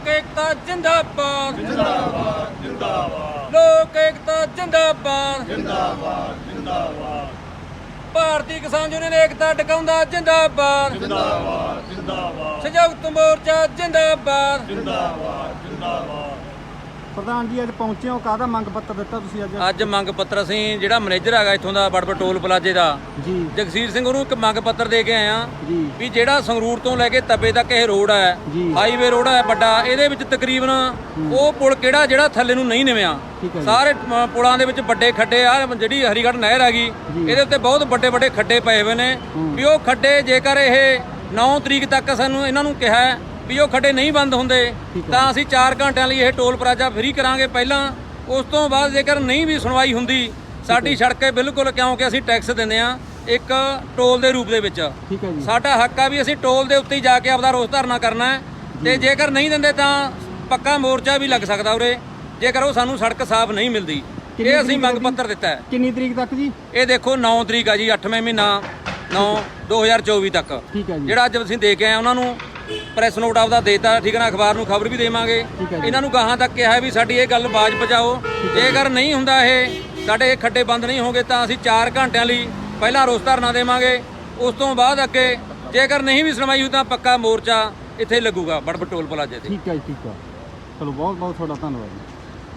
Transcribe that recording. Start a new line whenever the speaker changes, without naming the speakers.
ਲੋਕ ਏਕਤਾ ਜਿੰਦਾਬਾਦ
ਜਿੰਦਾਬਾਦ ਜਿੰਦਾਬਾਦ
ਲੋਕ ਏਕਤਾ ਜਿੰਦਾਬਾਦ
ਜਿੰਦਾਬਾਦ ਜਿੰਦਾਬਾਦ
ਭਾਰਤੀ ਕਿਸਾਨ ਯੂਨੀਅਨ ਏਕਤਾ ਟਿਕਾਉਂਦਾ ਜਿੰਦਾਬਾਦ
ਜਿੰਦਾਬਾਦ ਜਿੰਦਾਬਾਦ
ਸੰਯੁਕਤ ਮੋਰਚਾ ਜਿੰਦਾਬਾਦ
ਜਿੰਦਾਬਾਦ ਜਿੰਦਾਬਾਦ
ਪ੍ਰਧਾਨ ਜੀ ਅੱਜ ਪਹੁੰਚੇ ਹੋ, ਕਾਹਦਾ ਮੰਗ ਪੱਤਰ ਦਿੱਤਾ ਤੁਸੀਂ
ਅੱਜ ਮੰਗ ਪੱਤਰ ਅਸੀਂ ਜਿਹੜਾ ਮੈਨੇਜਰ ਹੈਗਾ ਇੱਥੋਂ ਦਾ ਬੜਬੜ ਟੋਲ ਪਲਾਜੇ ਦਾ
ਜੀ
ਜਗਸੀਰ ਸਿੰਘ ਉਹਨੂੰ ਇੱਕ ਮੰਗ ਪੱਤਰ ਦੇ ਕੇ ਆਏ ਆ
ਜੀ
ਵੀ ਜਿਹੜਾ ਸੰਗਰੂਰ ਤੋਂ ਲੈ ਕੇ ਤਪੇ ਤੱਕ ਇਹ ਰੋਡ ਹੈ
ਜੀ।
ਹਾਈਵੇ ਰੋਡ ਹੈ ਵੱਡਾ, ਇਹਦੇ ਵਿੱਚ ਤਕਰੀਬਨ ਉਹ ਪੁਲ ਕਿਹੜਾ ਜਿਹੜਾ ਥੱਲੇ ਨੂੰ ਨਹੀਂ ਨਿਵਿਆ,
ਠੀਕ ਹੈ ਜੀ।
ਸਾਰੇ ਪੁਲਾਂ ਦੇ ਵਿੱਚ ਵੱਡੇ ਖੱਡੇ ਆ, ਜਿਹੜੀ ਹਰੀਗੜ੍ਹ ਨਹਿਰ ਹੈਗੀ ਇਹਦੇ ਉੱਤੇ ਬਹੁਤ ਵੱਡੇ ਵੱਡੇ ਖੱਡੇ ਪਏ ਹੋਏ ਨੇ ਵੀ ਉਹ ਖੱਡੇ ਜੇਕਰ ਇਹ 9 ਤਰੀਕ ਤੱਕ ਸਾਨੂੰ ਇਹਨਾਂ ਨੂੰ ਕਿਹਾ ਹੈ ਵੀ ਉਹ ਖੱਡੇ ਨਹੀਂ ਬੰਦ ਹੁੰਦੇ ਤਾਂ ਅਸੀਂ 4 ਘੰਟਿਆਂ ਲਈ ਇਹ ਟੋਲ ਪਲਾਜ਼ਾ ਫ੍ਰੀ ਕਰਾਂਗੇ ਪਹਿਲਾਂ, ਉਸ ਤੋਂ ਬਾਅਦ ਜੇਕਰ ਨਹੀਂ ਵੀ ਸੁਣਵਾਈ ਹੁੰਦੀ ਸਾਡੀ ਸੜਕੇ ਬਿਲਕੁਲ, ਕਿਉਂਕਿ ਅਸੀਂ ਟੈਕਸ ਦਿੰਦੇ ਆ ਇੱਕ ਟੋਲ ਦੇ ਰੂਪ ਦੇ ਵਿੱਚ,
ਠੀਕ ਹੈ ਜੀ।
ਸਾਡਾ ਹੱਕ ਆ ਵੀ ਅਸੀਂ ਟੋਲ ਦੇ ਉੱਤੇ ਹੀ ਜਾ ਕੇ ਆਪਦਾ ਰੋਸ ਧਰਨਾ ਕਰਨਾ ਹੈ ਤੇ ਜੇਕਰ ਨਹੀਂ ਦਿੰਦੇ ਤਾਂ ਪੱਕਾ ਮੋਰਚਾ ਵੀ ਲੱਗ ਸਕਦਾ ਉਰੇ ਜੇਕਰ ਉਹ ਸਾਨੂੰ ਸੜਕ ਸਾਫ਼ ਨਹੀਂ ਮਿਲਦੀ। ਇਹ ਅਸੀਂ ਮੰਗ ਪੱਤਰ ਦਿੱਤਾ ਹੈ।
ਕਿੰਨੀ ਤਰੀਕ ਤੱਕ ਜੀ?
ਇਹ ਦੇਖੋ 9 ਤਰੀਕ ਆ ਜੀ, 8ਵੇਂ ਮਹੀਨਾ 9 2024 ਤੱਕ,
ਠੀਕ ਹੈ ਜੀ।
ਜਿਹੜਾ ਅੱਜ ਅਸੀਂ ਦੇ ਕੇ ਆਏ ਉਹਨਾਂ ਨੂੰ ਪ੍ਰੈਸ ਨੋਟ ਆਪਦਾ ਦੇਤਾ, ਠੀਕ ਹੈ ਨਾ, ਅਖਬਾਰ ਨੂੰ ਖਬਰ ਵੀ ਦੇਵਾਂਗੇ।
ਠੀਕ ਹੈ ਜੀ।
ਇਹਨਾਂ ਨੂੰ ਗਾਹਾਂ ਤੱਕ ਕਿਹਾ ਵੀ ਸਾਡੀ ਇਹ ਗੱਲ ਬਾਜ਼ ਪਹੁੰਚਾਓ, ਜੇਕਰ ਨਹੀਂ ਹੁੰਦਾ ਇਹ ਸਾਡੇ ਇਹ ਖੱਡੇ ਬੰਦ ਨਹੀਂ ਹੋਗੇ ਤਾਂ ਅਸੀਂ 4 ਘੰਟਿਆਂ ਲਈ ਪਹਿਲਾਂ ਰੋਸ ਧਰਨਾ ਦੇਵਾਂਗੇ, ਉਸ ਤੋਂ ਬਾਅਦ ਅੱਗੇ ਜੇਕਰ ਨਹੀਂ ਵੀ ਸੁਣਵਾਈ ਹੋਈ ਤਾਂ ਪੱਕਾ ਮੋਰਚਾ ਇੱਥੇ ਲੱਗੂਗਾ ਬੜਬੜ ਟੋਲ ਪਲਾਜ਼ੇ ਤੇ।
ਠੀਕ ਹੈ ਜੀ, ਠੀਕ ਹੈ। ਚਲੋ ਬਹੁਤ ਬਹੁਤ ਤੁਹਾਡਾ ਧੰਨਵਾਦ ਜੀ।